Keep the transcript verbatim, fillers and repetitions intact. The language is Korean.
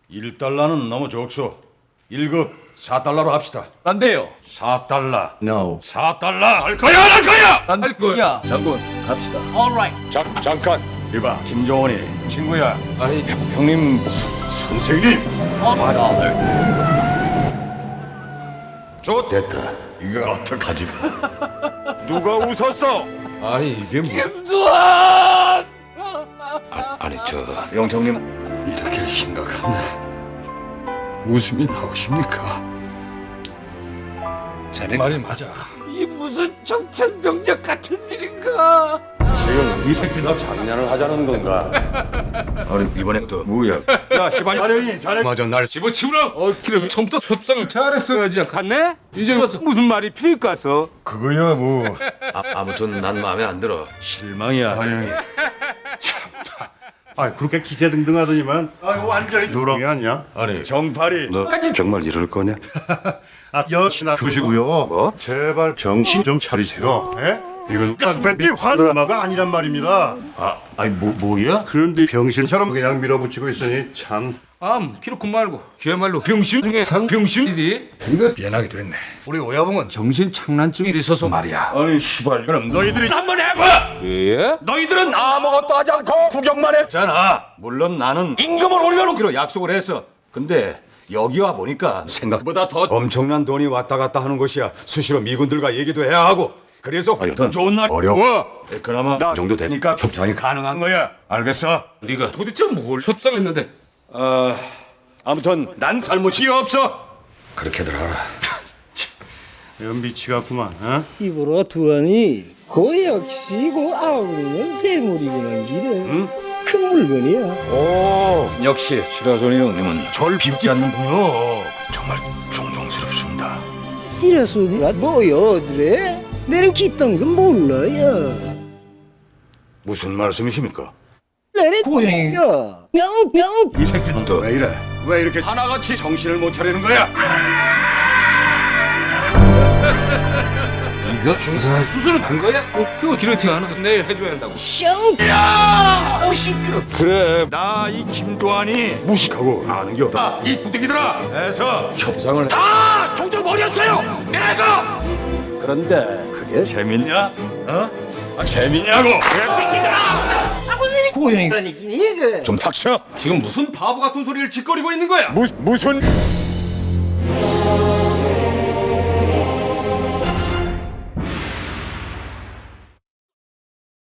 일 달러는 너무 적소. 일 급 사 달러로 합시다. 안 돼요. 사 달러. No. 사 달러. 할 거야, 안 할 거야? 안 할 거야. 장군, 갑시다. Alright. 잠, 잠깐. 이봐, 김정원이 친구야. 아니, 형님, 서, 선생님. Alright. 좋 됐다. 이거 어떡하지? 누가 웃었어? 아니, 이게 무슨... 김두한! 아, 아니, 저 영정님 이렇게 심각한데 웃음이 나오십니까? 자네 말이 맞아. 이 무슨 청천벽력 같은 일인가? 지금 이 새끼가 장난을 하자는 건가? 아니 이번에 또 뭐야? 야 시발 아니 자네 맞아 날 집어치우라! 어, 그럼 처음부터 협상을 잘했어야지. 갔네? 이제 와서 무슨 말이 필요했어? 그거야 뭐. 아, 아무튼 난 마음에 안 들어. 실망이야 환영이. 아, 그렇게 기세등등하더니만. 아, 완전히 누렁이 아니야? 아니 정팔이 너 정말 이럴 거냐? 아, 여신아 두시고요. 뭐? 제발 정신 좀 차리세요. 예? 이건 깡패비 화드라마가 아니란 말입니다. 아 아니 뭐 뭐야? 그런데 병신처럼 그냥 밀어붙이고 있으니 참. 암, 기록군 말고 그야말로 병신 중에 상병신이디. 이거 미안하게 됐네. 우리 오야봉은 정신 장난증이 있어서 말이야. 아니 시발 그럼 너희들이 한번 해봐. 예? 너희들은 아무것도 하지 않고 구경만 했잖아. 물론 나는 임금을 올려놓기로 약속을 했어. 근데 여기 와 보니까 생각보다 더 엄청난 돈이 왔다 갔다 하는 곳이야. 수시로 미군들과 얘기도 해야 하고. 그래서 하여튼 좋은 날 어려워. 그나마 나 정도 되니까 협상이 가능한 거야. 알겠어? 네가 도대체 뭘 협상했는데? 어, 아무튼 난 잘못이 없어. 그렇게들 알아. 연비치 같구만. 어? 입으로 두하니 그 역시 그 아우는 대물이구만 기는 응? 큰 물건이야. 오, 역시 시라소니 형님은 절 비웃지 않는군요. 정말 존경스럽습니다. 씨라소리가 뭐여 그래? 내는 기떤 건 몰라요. 무슨 말씀이십니까? 나는 고양이야. 뿅뿅. 이 새끼는 또 왜 이래? 왜 이렇게 하나같이 정신을 못 차리는 거야? 이거 중사 수술은 한 거야? 어, 그거 기르팅 하나 내일 해줘야 한다고. 뿅. 야, 오시끄러. 그래, 나 이 김도환이 무식하고 아는 게 없다. 이 부대기들아, 해서 협상을 다 종져버렸어요. 내가. 그런데 그게 재밌냐? 어? 아, 재밌냐고? 고양이라니 그래. 좀 닥쳐. 지금 무슨 바보 같은 소리를 짓거리고 있는 거야? 무 무슨?